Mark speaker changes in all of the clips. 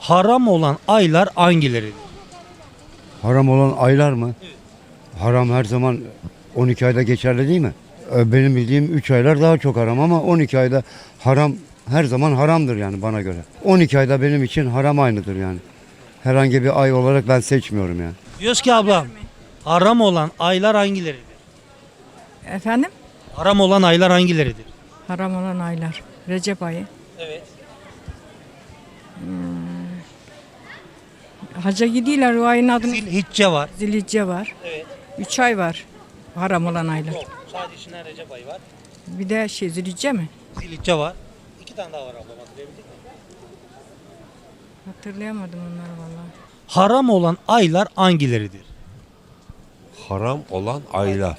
Speaker 1: Haram olan aylar hangileridir?
Speaker 2: Haram olan aylar mı? Haram her zaman 12 ayda geçerli değil mi? Benim bildiğim 3 aylar daha çok haram ama 12 ayda haram her zaman haramdır yani bana göre. 12 ayda benim için haram aynıdır yani. Herhangi bir ay olarak ben seçmiyorum yani.
Speaker 1: Diyoruz ki ablam, haram olan aylar hangileridir?
Speaker 3: Efendim?
Speaker 1: Haram olan aylar hangileridir?
Speaker 3: Haram olan aylar. Recep ayı.
Speaker 1: Evet.
Speaker 3: Hacca gidiyorlar, o ayın adını.
Speaker 1: Zilhicce var.
Speaker 3: Zilhicce var.
Speaker 1: Evet.
Speaker 3: 3 ay var. Haram olan aylar.
Speaker 1: Yok. Sadece içinden Recep ayı var.
Speaker 3: Bir de Zilhicce mi?
Speaker 1: Zilhicce var. 2 tane daha var ablam, hatırlayabildik mi?
Speaker 3: Hatırlayamadım onları vallahi.
Speaker 1: Haram olan aylar hangileridir?
Speaker 4: Haram olan aylar.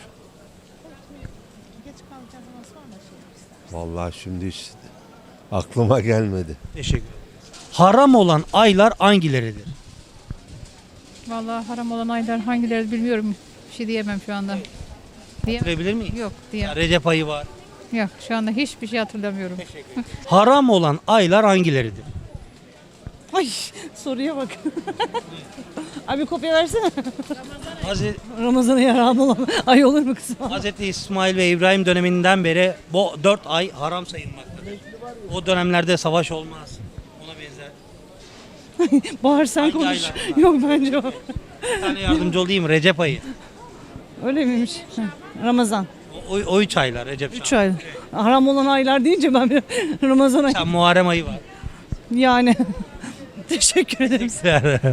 Speaker 4: Vallahi şimdi hiç aklıma gelmedi.
Speaker 1: Teşekkür ederim. Haram olan aylar hangileridir?
Speaker 5: Vallahi haram olan aylar hangileri bilmiyorum. Bir şey diyemem şu anda.
Speaker 1: Hatırlayabilir miyim?
Speaker 5: Yok diyemem.
Speaker 1: Recep ayı var.
Speaker 5: Yok şu anda hiçbir şey hatırlamıyorum.
Speaker 1: Haram olan aylar hangileridir?
Speaker 6: Ay soruya bak. Abi kopya versene.
Speaker 1: Hazreti,
Speaker 6: Ramazan'a yaram olan ay olur mu kızım?
Speaker 1: Hazreti İsmail ve İbrahim döneminden beri bu 4 ay haram sayılmaktadır. O dönemlerde savaş olmaz. Ona benzer.
Speaker 6: Bahar sen
Speaker 1: Hangi
Speaker 6: konuş.
Speaker 1: aylar?
Speaker 6: Yok bence o.
Speaker 1: Bir tane yardımcı olayım, Recep ayı.
Speaker 6: Öyle miymiş? Ramazan.
Speaker 1: O 3 aylar Recep.
Speaker 6: 3 ay. Haram olan aylar deyince ben bir Ramazan'a
Speaker 1: Sen Muharrem ayı var.
Speaker 6: yani. Teşekkür ederim.